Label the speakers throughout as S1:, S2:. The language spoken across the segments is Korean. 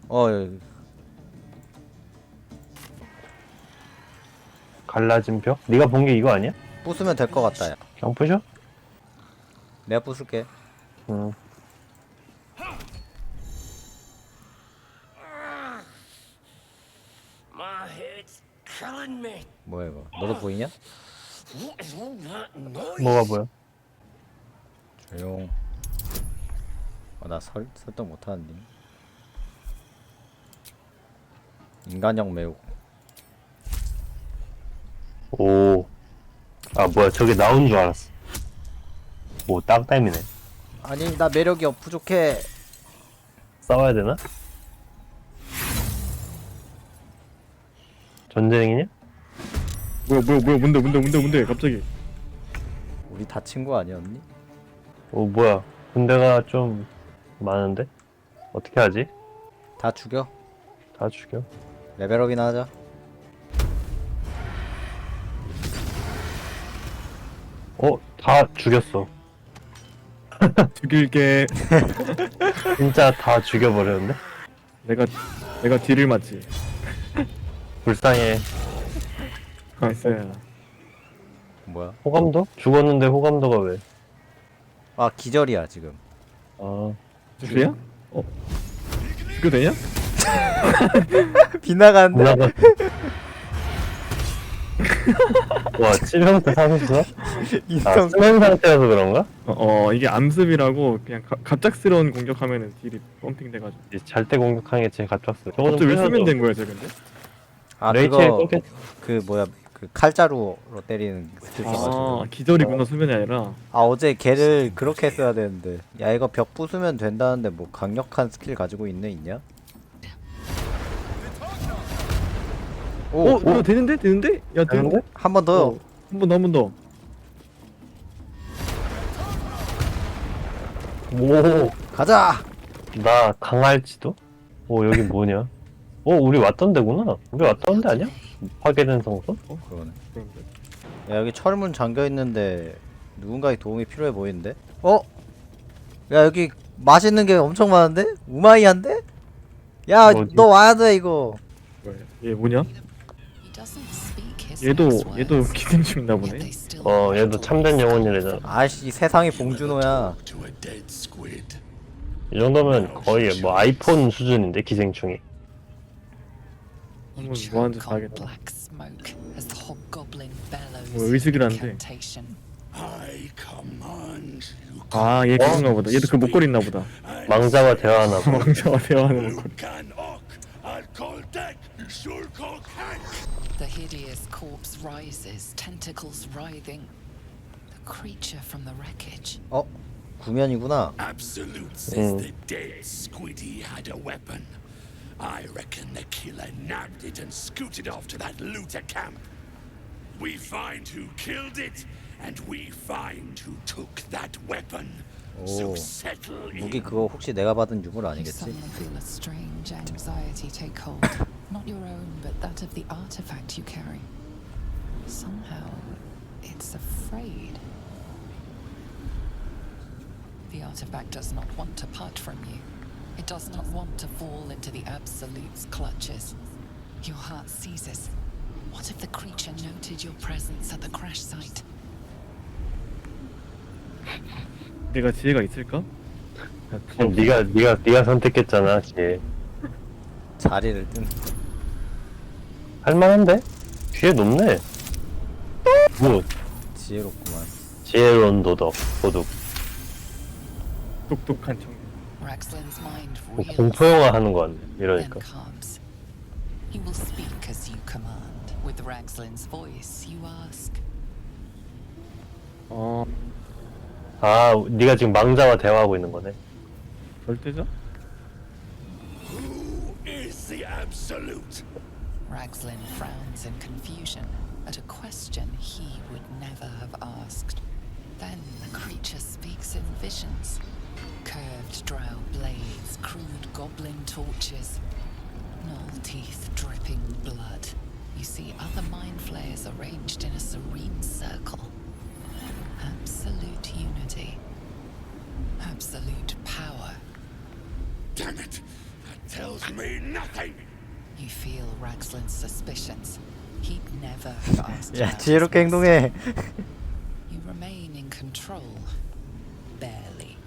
S1: 여기.
S2: 갈라진 벽? 네가 본 게 이거 아니야?
S1: 부수면 될 것 같다. 야.
S2: 그냥 부셔?
S1: 내가 부술게.
S2: 응.
S3: My head's killing me.
S1: 뭐야 이거? 너도 보이냐?
S3: What is all that noise?
S2: 뭐가 보여?
S1: 조용. 나 설정 못하는데. 인간형 매우.
S2: 오. 아 뭐야 저게 나온 줄 알았어. 오 땅땀이네.
S1: 아니 나 매력이 부족해.
S2: 싸워야 되나? 전쟁이냐?
S4: 뭐야 뭔데 갑자기.
S1: 우리 다 친구 아니었니?
S2: 오 뭐야 군대가 좀 많은데? 어떻게 하지?
S1: 다 죽여.
S2: 다 죽여.
S1: 레벨업이나 하자.
S2: 다 죽였어.
S4: 죽일게.
S2: 진짜 다 죽여버렸는데?
S4: 내가 딜을 맞지.
S2: 불쌍해.
S4: 나이스.
S1: 뭐야?
S2: 호감도? 죽었는데 호감도가 왜?
S1: 아 기절이야 지금.
S2: 아
S4: 주야? 죽여 되냐?
S1: 빗나가는데?
S2: 누나가 와 치명타 사셨어? 아
S1: 인성.
S2: 수면 상태여서 그런가?
S4: 이게 암습이라고 그냥 갑작스러운 공격하면은 딜이 펌핑 돼가지고.
S2: 잘 때 공격하는 게 제일 가깝어. 저거 좀
S4: 갑자기 왜 쓰면
S2: 끊어줘.
S4: 된 거야 쟤 근데?
S1: 아
S2: 레이첼
S1: 그거
S2: 꺾겠.
S1: 그 뭐야 그 칼자루로 때리는 스킬 써가지고.
S4: 기절이구나 수면이 아니라.
S1: 아 어제 걔를 그렇게 했어야 되는데. 야 이거 벽 부수면 된다는데 뭐 강력한 스킬 가지고 있냐? 오,
S4: 이거 되는데? 야
S2: 되는데?
S1: 한 번 더.
S4: 한 번 더.
S2: 오,
S1: 가자.
S2: 나 강할지도? 오 여기 뭐냐? 우리 왔던 데구나. 우리 왔던 데 아니야? 파괴된 성소?
S1: 그러네.
S4: 그런데.
S1: 야 여기 철문 잠겨 있는데 누군가의 도움이 필요해 보이는데? 야 여기 맛있는 게 엄청 많은데? 우마이한데? 야
S2: 뭐지?
S1: 너 와야 돼 이거.
S4: 뭐야? 얘 뭐냐? 얘도 기생충 있나 보네.
S2: 얘도 참된 영혼이래잖아.
S1: 아이씨 세상이 봉준호야.
S3: To a dead squid.
S2: 이 정도면 거의 뭐 아이폰 수준인데 기생충이.
S4: 한번 뭐 하는지 봐야겠다. 뭐 의식이라는데.
S3: I command you.
S4: 얘 그건가 보다. 얘도 그 목걸이 있나 보다.
S2: 망자와 대화하나 봐.
S4: 왕자와 대화하는 목걸이.
S3: Can ok. I'll call deck. You'll call cank.
S5: The hideous corpse rises, tentacles writhing. The creature from the wreckage.
S1: 구면이구나.
S3: Absolute says the dead squiddy had a weapon. I reckon the killer nabbed it and scooted off to that looter camp. We find who killed it, and we find who took that weapon. So settle
S1: 무기
S3: in.
S1: 그거 혹시 내가 받은 유물
S5: You
S1: 아니겠지?
S5: suddenly feel a strange anxiety take hold. Not your own, but that of the artifact you carry. Somehow, it's afraid. The artifact does not want to part from you. It does not want to fall into the Absolute's clutches. Your heart seizes. What if the creature noted your presence at the crash site?
S4: 내가 지혜가 있을까?
S2: 그럼 네가 선택했잖아. 걔.
S1: 자리를 뜬.
S2: 할만한데? 뒤에 높네. 뭐
S1: 지혜롭구만.
S2: 지혜로운 도덕 도둑.
S4: 똑똑한 청년.
S5: Raxlin's mind
S2: 뭐
S5: reels,
S2: 공포 영화 하는 거 같네.
S5: then
S2: 이러니까.
S5: calms. He will speak as you command. With Raxlin's voice, you ask.
S2: 네가 지금 망자와 대화하고 있는 거네.
S4: 절대자?
S3: Who is the absolute?
S5: Raxlin frowns in confusion at a question he would never have asked. Then the creature speaks in visions. Curved drow blades, crude goblin torches, gnoll teeth dripping blood. You see other mind flayers arranged in a serene circle. Absolute unity. Absolute power.
S3: Damn it! That tells me nothing.
S5: You feel Ragslin's suspicions. He'd never have asked
S1: 야
S5: about
S1: 지혜롭게
S5: his
S1: 행동해.
S5: You remain in control. Barely.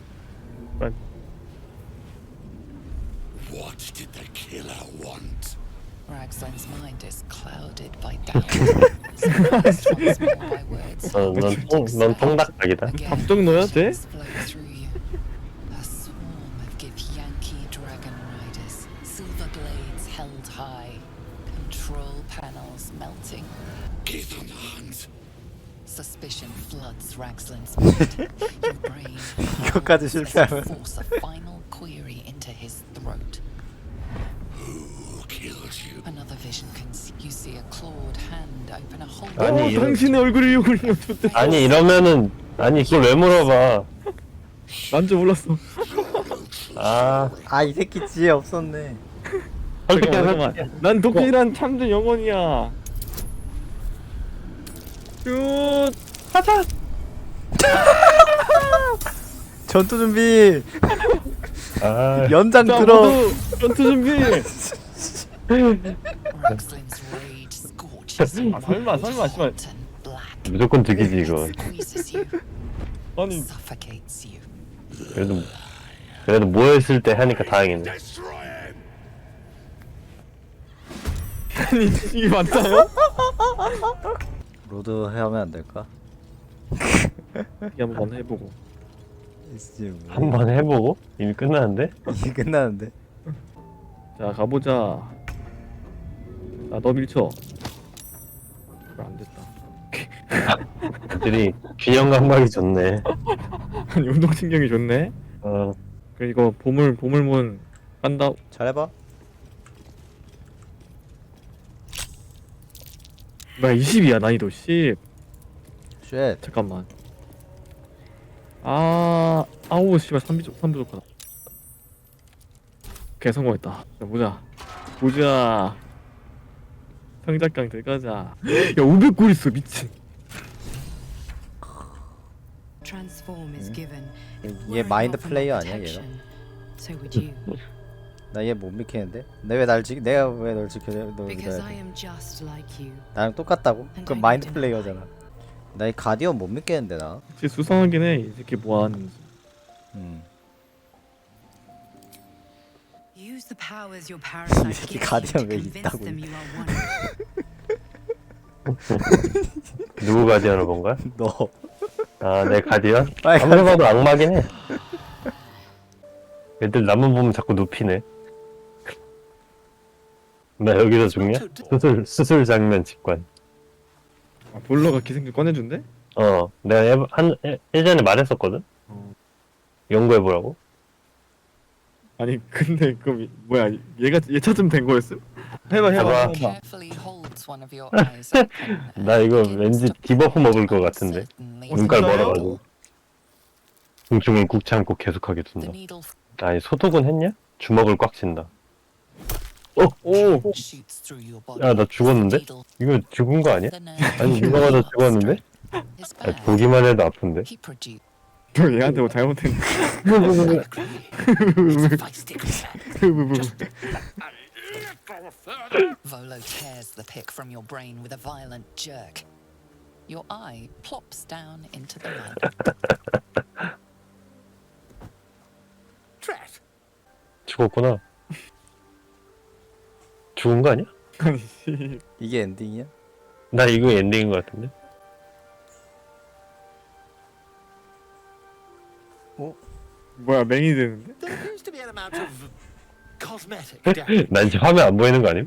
S3: What did the killer want?
S5: Ragslin's mind is clouded by doubt. Silenced once more by words.
S2: 넌 통닭닭이다.
S5: Again,
S4: 밥좀 넣어야 돼?
S5: visions flow through you. A swarm of Githyanki dragon riders, silver blades held high, control panels melting.
S3: Get on the hunt.
S5: Suspicion floods Ragslin's mind. Your brain
S1: 이거까지
S5: howls as you
S1: 실패하면.
S5: force a final query into his throat.
S3: Who killed you?
S5: Another vision you see a clawed hand open a hole.
S2: 아니, 이런-
S4: 당신의 얼굴이 욕을요. 좋대.
S2: 아니 이러면은 아니 그걸 왜 물어봐?
S4: 난줄 몰랐어.
S2: 아
S1: 아 이 새끼 지혜 없었네.
S4: 잠깐만. 난 도끼란 참된 영혼이야. 슛. 하차.
S1: 전투 준비.
S2: 아
S1: 연장
S4: 자,
S1: 들어.
S4: 모두 전투 준비.
S5: Ragslin's rage scorches you.
S4: 설마, 설마, 씨발.
S5: hot and black.
S2: 무조건 득이지 이거.
S5: Squeezes you,
S4: 아니,
S5: suffocates you.
S2: 그래도 모였을 때 하니까 다행이네.
S3: Destroy him.
S4: 아니 이게 맞나요?
S1: 로드 하면 안 될까?
S4: 이게 한번 해보고.
S1: 이제 뭐.
S2: 한번 해보고 이미 끝나는데?
S1: 이게 끝나는데.
S4: 자 가보자. 너 밀쳐. 안 됐다.
S2: 애들이 균형 감각이 좋네.
S4: 아니 운동신경이 좋네.
S2: 어
S4: 그 이거 보물문 한다.
S1: 잘해봐.
S4: 나 20이야 난이도 10.
S1: 쉣.
S4: 잠깐만. 아우 씨발 3부족하다. 오케이 성공했다. 자 보자. 성작강 들어가자. 야 500골 있어 미친.
S6: Transform is given.
S1: 얘 마인드 플레이어 아니야 얘가?
S6: So would you.
S1: 나 얘 못 믿겠는데? 내가 왜 널 지켜야 널
S6: Because
S1: 믿어야
S6: I
S1: 돼?
S6: am just like you.
S1: 나랑 똑같다고? 그럼 마인드 플레이어잖아. 나 이 가디언 못 믿겠는데 나.
S4: 진짜 수상하긴 해. 이 새끼 뭐하는지.
S6: Use the powers your parasite
S1: 새끼
S6: gives you
S1: 가디언
S6: to
S1: 왜
S6: convince
S1: 있다고.
S6: them you are one.
S2: 누구 가디언을 본 거야?
S1: 너.
S2: 아 내 가디언?
S1: 빨리
S2: 아무리 봐도 악마긴 해. 애들 나만 보면 자꾸 눕히네. 나 여기서 죽냐? 수술 장면 직관.
S4: 볼러가 기생충 꺼내준대?
S2: 내가 예전에 말했었거든. 연구해보라고.
S4: 아니 근데 그럼 뭐야 얘 찾으면 된 거였어? 해봐.
S5: Carefully holds one of your eyes open and
S2: 나 이거
S5: begins
S2: 왠지
S5: to
S2: 디버프 먹을 것 같은데.
S5: uncertainly
S2: 눈깔
S4: 진짜요?
S2: 멀어가지고. 공중에 굽지 않고 계속하게
S5: The
S2: 둔다.
S5: needle
S2: 아니 소독은 했냐? 주먹을 꽉 쥔다.
S4: 오.
S5: shoots through your body.
S2: 야 나 죽었는데?
S5: Needle
S2: 이거 죽은 거 아니야?
S5: the nerve
S2: 아니 누가 봐도 죽었는데?
S5: is
S2: 아니,
S5: bad.
S2: 보기만 해도 아픈데.
S5: He produced
S4: 너 얘한테 뭐 잘못했네.
S5: Volo tears the pick from your brain with a violent jerk. Your eye plops down into the mud.
S3: Tret.
S2: 죽었구나. 죽은 거 아니야?
S4: 아니 씨.
S1: 이게 엔딩이야?
S2: 나 이거 엔딩인 거 같은데.
S4: 뭐야 맹이 되는데?
S7: There appears to be an amount of cosmetic damage.
S2: 나 이제 화면 안 보이는 거 아님?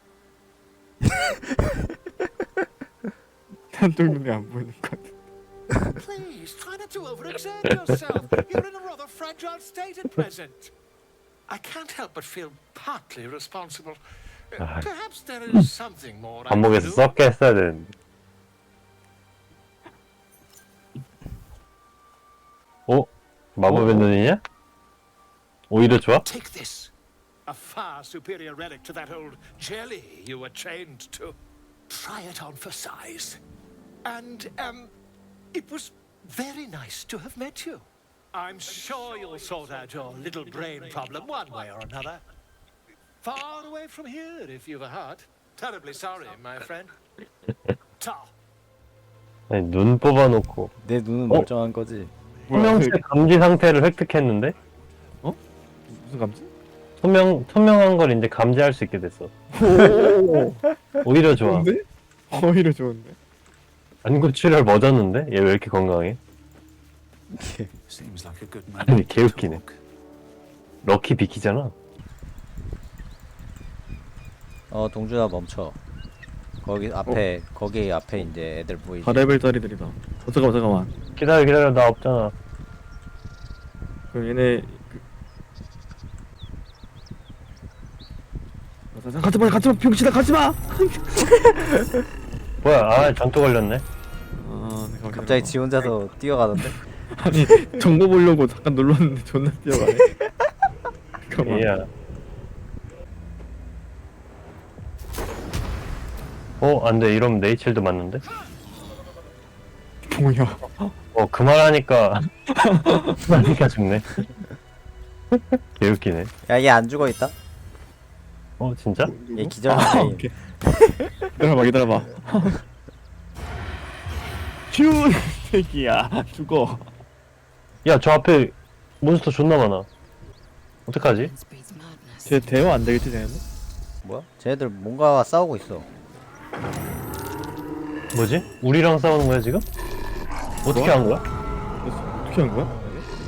S4: 한쪽 눈에 안 보이는 것 같아.
S7: Please, try not to overexert yourself. You're in a rather fragile state at present. I can't help but feel partly responsible.
S2: Ah.
S7: Perhaps there is something more I can
S2: 반목에서
S7: do.
S2: 썩게 했어야 되는데. 마법의 눈이냐? 오히려 좋아?
S7: Take this. A far superior relic to that old jelly you were chained to. Try it on for size. And, it was very nice to have met you. I'm sure you'll sort out your little brain problem one way or another. far away from here if you've a heart. Terribly sorry, my friend. Ta.
S2: 아니, 눈 뽑아놓고
S1: 내 눈은
S2: 어?
S1: 멀쩡한 거지.
S2: 투명체 감지 상태를 획득했는데
S4: 무슨 감지?
S2: 투명한 걸 이제 감지할 수 있게 됐어. 오히려 좋아.
S4: 좋은데? 오히려 좋은데.
S2: 안구출혈 멎었는데? 얘 왜 이렇게 건강해?
S3: Seems like a good man.
S2: 아니, 개웃기네. 럭키 비키잖아.
S1: 동준아 멈춰. 거기 앞에 거기 앞에 이제 애들 보이지.
S4: 4레벨짜리들이다. 잠깐만.
S2: 기다려, 나 없잖아.
S4: 그럼 얘네 가지마 병신아 가지마.
S2: 뭐야, 아, 전투 걸렸네.
S4: 내가
S1: 갑자기 지 혼자서 뛰어가던데.
S4: 아니 정보 보려고 잠깐 눌렀는데 존나 뛰어가네. 잠깐만.
S2: 얘야. 안 돼. 이러면 네이첼도 맞는데?
S4: 뭐야?
S2: 그 말하니까 죽네. 개웃기네.
S1: 야, 얘 안 죽어 있다.
S2: 진짜?
S1: 얘 기절 상태임.
S4: 오케이. 기다려봐. 휴 새끼야 죽어.
S2: 야, 저 앞에 몬스터 존나 많아. 어떡하지?
S5: Breeds madness.
S4: 쟤 대화 안 되겠지 쟤는?
S1: 뭐야? 쟤네들 뭔가 싸우고 있어.
S2: 뭐지? 우리랑 싸우는 거야, 지금? 어떻게 한 거야?
S4: 어떻게 한 거야?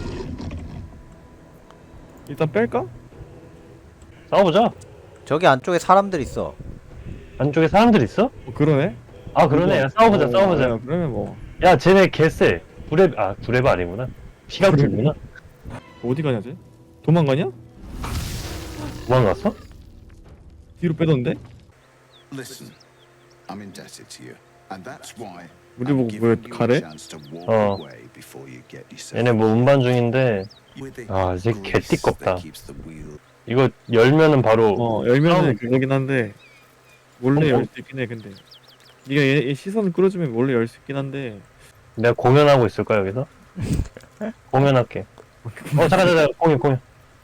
S4: 일단 뺄까?
S2: 싸워보자.
S1: 저기 안쪽에 사람들 있어.
S2: 안쪽에 사람들 있어?
S4: 그러네.
S2: 아, 그러네. 야, 싸워보자.
S4: 그러면 뭐
S2: 야, 쟤네 개쎄. 구레바 아니구나. 시각지구나.
S4: 어디 가냐 쟤? 도망가냐?
S2: 도망갔어?
S4: 뒤로 빼던데?
S3: Listen, I'm indebted to you, and that's why
S4: 우리
S3: I'm
S4: 보고
S3: giving
S4: 왜
S3: you
S4: 가래?
S3: a chance to walk
S2: 어.
S3: away before you get yourself.
S2: 얘네 뭐 운반 중인데,
S3: With it,
S2: 아, 이제
S3: grease
S2: 개띠껍다.
S3: that keeps the wheel.
S2: 이거 열면은 바로,
S4: 열면은 그거긴 한데 원래
S2: 어,
S4: 열 수 있긴 해. 근데 네가 얘 시선을 끌어주면 원래 열 수 있긴 한데
S2: 내가 공연하고 있을까, 여기서? 공연할게. 잠깐, 공연.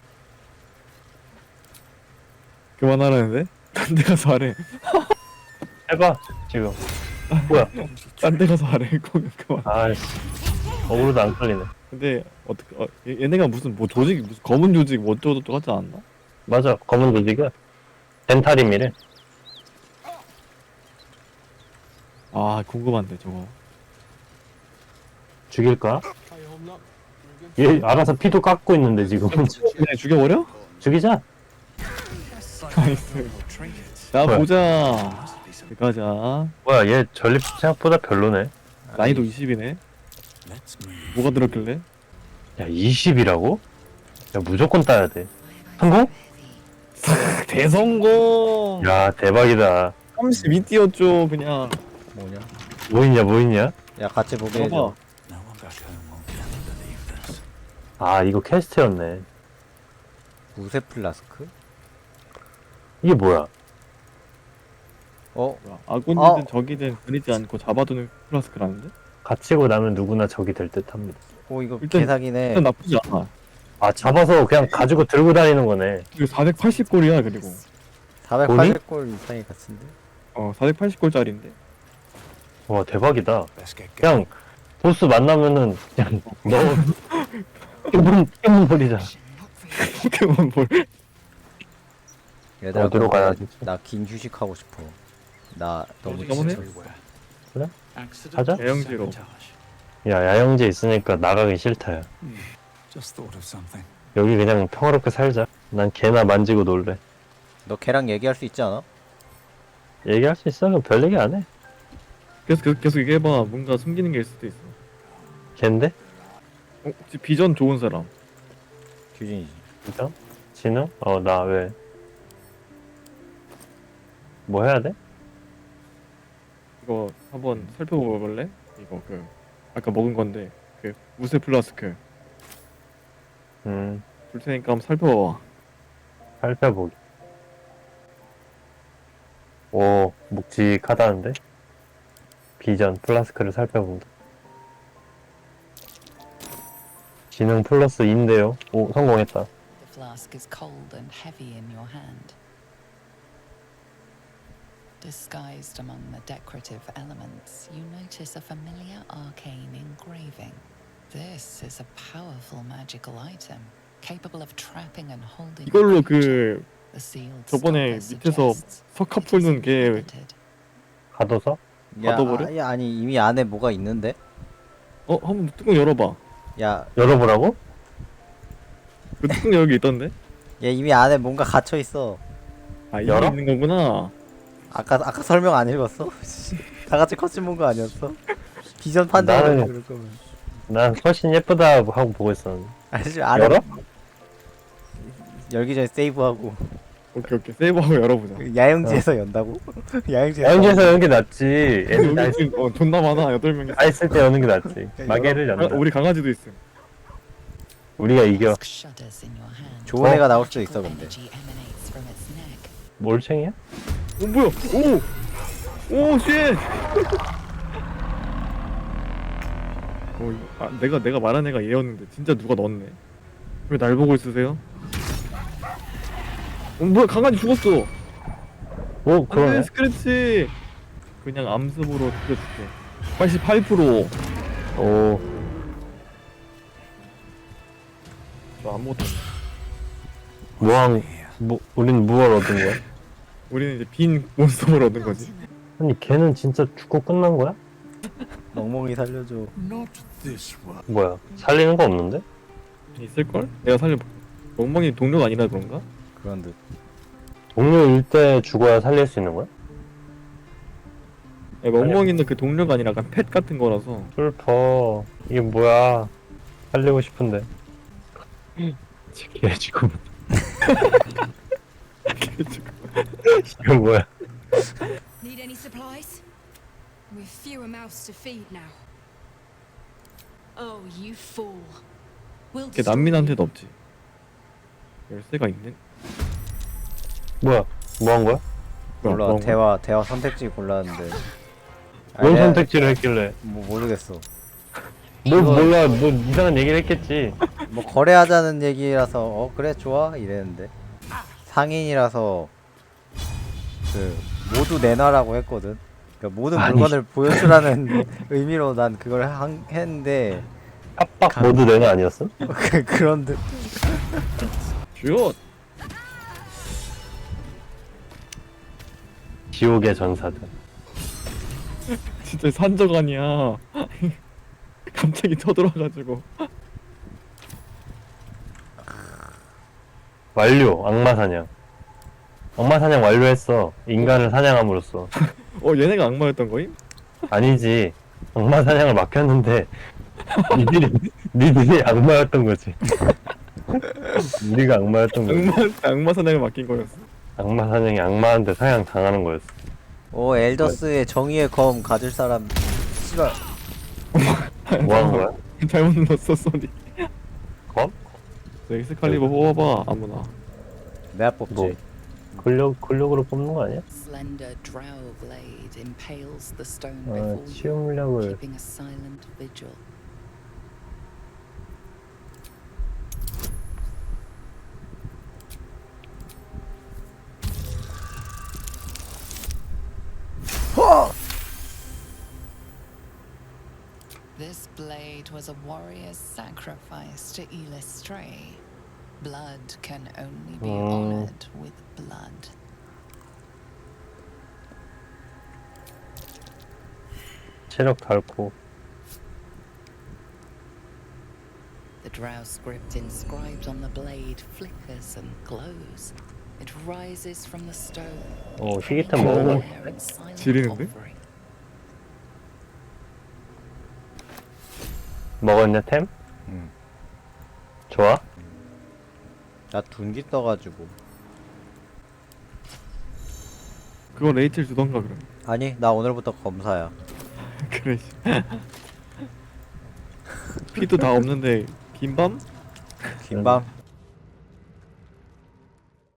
S4: 그만하라는데? 딴 데 가서 하래.
S2: 해봐, 지금. 뭐야?
S4: 딴 데 가서 하래. 그만.
S2: 아이씨. 어그로도 안 끌리네.
S4: 근데 어떻게 얘네가 무슨 뭐 조직 무슨 검은 조직 뭐 어쩌고저쩌고 하지 않나?
S2: 맞아, 검은 조직이야. 덴타림이래.
S4: 아 궁금한데 저거.
S2: 죽일까? 얘 알아서 피도 깎고 있는데, 지금.
S4: 그냥 죽여버려?
S2: 죽이자.
S4: 나이스. 자
S2: 뭐야?
S4: 보자. 가자.
S2: 뭐야, 얘 전립 생각보다 별로네.
S4: 난이도 20이네. 뭐가 들었길래?
S2: 야, 20이라고? 야, 무조건 따야 돼. 성공?
S4: 대성공.
S2: 야, 대박이다.
S4: 32 띄웠죠 그냥.
S1: 뭐냐?
S2: 뭐 있냐?
S1: 야, 같이 보게 해줘.
S4: 봐봐.
S3: No one back home won't be able to believe this.
S2: 아, 이거 퀘스트였네.
S1: 우세 플라스크?
S2: 이게 뭐야?
S4: 아군이든
S1: 어.
S4: 적이든 가리지 않고 잡아두는 플라스크라는데?
S2: 갇히고 나면 누구나 적이 될 듯 합니다.
S1: 이거
S4: 일단-
S1: 개사기네.
S4: 일단 나쁘지 않아.
S2: 아, 잡아서 그냥 가지고 들고 다니는 거네.
S4: 그리고 480골이야 그리고.
S1: 480골 이상이 같은데?
S4: 480골짜리인데.
S2: 와, 대박이다.
S3: Best get
S2: 그냥 보스 만나면은 그냥 넣어. 깨문버리잖아.
S4: 포켓몬볼.
S1: 얘들아,
S2: 어디로 가야지?
S1: 나긴 휴식하고 싶어. 나 너무
S4: 어디 가면 해?
S1: 지쳐.
S2: 가자.
S4: 대형지로.
S2: 야, 야영지 있으니까 나가기 싫다야.
S3: Just thought of something.
S2: 여기 그냥 평화롭게 살자. 난 개나 만지고 놀래.
S1: 너 걔랑 얘기할 수 있지 않아?
S2: 얘기할 수 있어? 그럼 별 얘기 안 해.
S4: 계속 얘기해봐. 뭔가 숨기는 게 있을 수도 있어.
S2: 걘데?
S4: 혹시 비전 좋은 사람?
S1: 규진이지.
S2: 진짜? 진우? 나 왜? 뭐 해야 돼?
S4: 이거 한번 살펴볼래? 이거 아까 먹은 건데 우세 플라스크 줄 테니까 한번 살펴봐.
S2: 살펴보기. 오, 묵직하다는데? 비전 플라스크를 살펴본다. 지능 플러스 2인데요. 오, 성공했다.
S5: The flask is cold and heavy in your hand. Disguised among the decorative elements, you notice a familiar arcane engraving. This is a powerful magical item, capable of trapping and holding.
S4: 이걸로
S5: a creature.
S4: 그
S5: The sealed
S4: 저번에
S5: stopper
S4: 밑에서
S5: suggests
S4: 석화
S5: it is
S4: 풀는 게
S5: inhabited.
S2: 가둬서?
S1: 야, 아니 이미 안에 뭐가 있는데?
S4: 한번 뚜껑 열어봐.
S1: 야,
S2: 열어보라고?
S4: 그 뚜껑 여기 있던데?
S1: 얘 이미 안에 뭔가 갇혀 있어.
S4: 아 이게
S2: 열어?
S4: 있는 거구나.
S1: 아까 설명 안 읽었어? 다 같이 컷신 본 거 아니었어? 비전 판단을
S2: 나는-
S1: 그럴 거면.
S2: 난 훨씬 예쁘다 하고 보고 있었는데.
S1: 아니 안에
S2: 열어?
S1: 열기 전에 세이브하고
S4: 오케이 세이브하고 열어보자.
S1: 야영지에서 연다고? 야영지에서
S2: 야영지에서 여는 게 낫지. 애들 다,
S4: 여기 지금 존나 많아 8명이.
S2: 다 있을 때 여는 게 낫지. 마개를 연다.
S4: 우리 강아지도 있음.
S2: 우리가 이겨.
S5: Dusk shudders in your hand.
S1: 좋은 애가 나올 수도 있어 근데.
S5: Energy emanates from its neck.
S2: 몰챙이야?
S4: 뭐야? 오 쉣. 내가 말한 애가 얘였는데 진짜 누가 넣었네. 왜 날 보고 있으세요? 뭐야 강아지 죽었어.
S2: 오, 그러네.
S4: 스크래치. 그냥 암습으로 죽여줄게. 88%.
S2: 오,
S4: 저 아무것도 없네.
S2: 우린 무얼 얻은 거야?
S4: 우리는 이제 빈 몬스터를 얻은 거지.
S2: 아니, 걔는 진짜 죽고 끝난 거야?
S1: 멍멍이 살려줘.
S3: Not this one.
S2: 뭐야? 살리는 거 없는데?
S4: 있을걸? 내가 살려볼게. 멍멍이 동료가 아니라 그런가?
S1: 그런 듯.
S2: 동료일 때 죽어야 살릴 수 있는 거야?
S4: 멍멍이는 그 동료가 아니라 약간 펫 같은 거라서.
S2: 슬퍼. 이게 뭐야? 살리고 싶은데. 걔 지금. 이거 뭐야?
S6: Need any supplies? We've fewer mouths to feed now. Oh, you fool. We'll
S4: 걔 난민한테도 없지. 열쇠가 있네?
S2: 뭐야? 뭐 한 거야?
S1: 몰라
S4: 그런 거?
S1: 대화 선택지 골랐는데.
S2: 뭔
S1: 내가
S2: 선택지를 했길래?
S1: 뭐 모르겠어.
S2: 뭘 몰라? 뭐 이상한 얘기를 했겠지.
S1: 뭐 거래하자는 얘기라서 그래 좋아 이랬는데 상인이라서 그 모두 내놔라고 했거든. 그러니까 모든
S2: 아니.
S1: 물건을 보여주라는 의미로 난 그걸 했는데
S2: 협박 모두 내가 아니었어?
S1: 그런 듯.
S4: 슛!
S2: 지옥의 전사들.
S4: 진짜 산적아니야. 갑자기 쳐들어와가지고.
S2: 완료. 악마 사냥. 악마 사냥 완료했어. 인간을 사냥함으로써.
S4: 얘네가 악마였던 거임?
S2: 아니지. 악마 사냥을 맡겼는데 니들이 악마였던 거지. 우리가 악마였던 거지.
S4: 악마 사냥을 맡긴 거였어.
S2: 악마 사냥이 악마한테 사냥 당하는 거였어.
S1: 오 엘더스의 정의의 검 가질 사람 씨발.
S2: 뭐 하는 거야?
S4: 잘못 눌렀어, 소리.
S2: 검?
S4: 엑스칼리버 뽑아봐, 아무나.
S1: 내가 뽑지.
S2: 뭐? 근력으로 뽑는 거 아니야?
S5: Slender drow blade impales the stone
S2: 아,
S5: before you,
S2: 치유물약을
S5: keeping a silent vigil. This blade was a warrior's sacrifice to Elistray. Blood can only be honored with blood.
S2: 체력 닳고.
S5: The drow script inscribed on the blade flickers and glows. It rises from the stone.
S2: 희귀템
S5: hanging
S2: 먹으면
S5: there in silent
S4: 지리는데?
S5: offering.
S2: 먹었냐 템?
S1: 응.
S2: 좋아?
S1: 나 둔기 떠가지고.
S4: 그거 레이첼 주던가, 그럼.
S1: 아니 나 오늘부터 검사야.
S4: 그래, 씨. 피도 다 없는데, 긴밤?
S1: 긴밤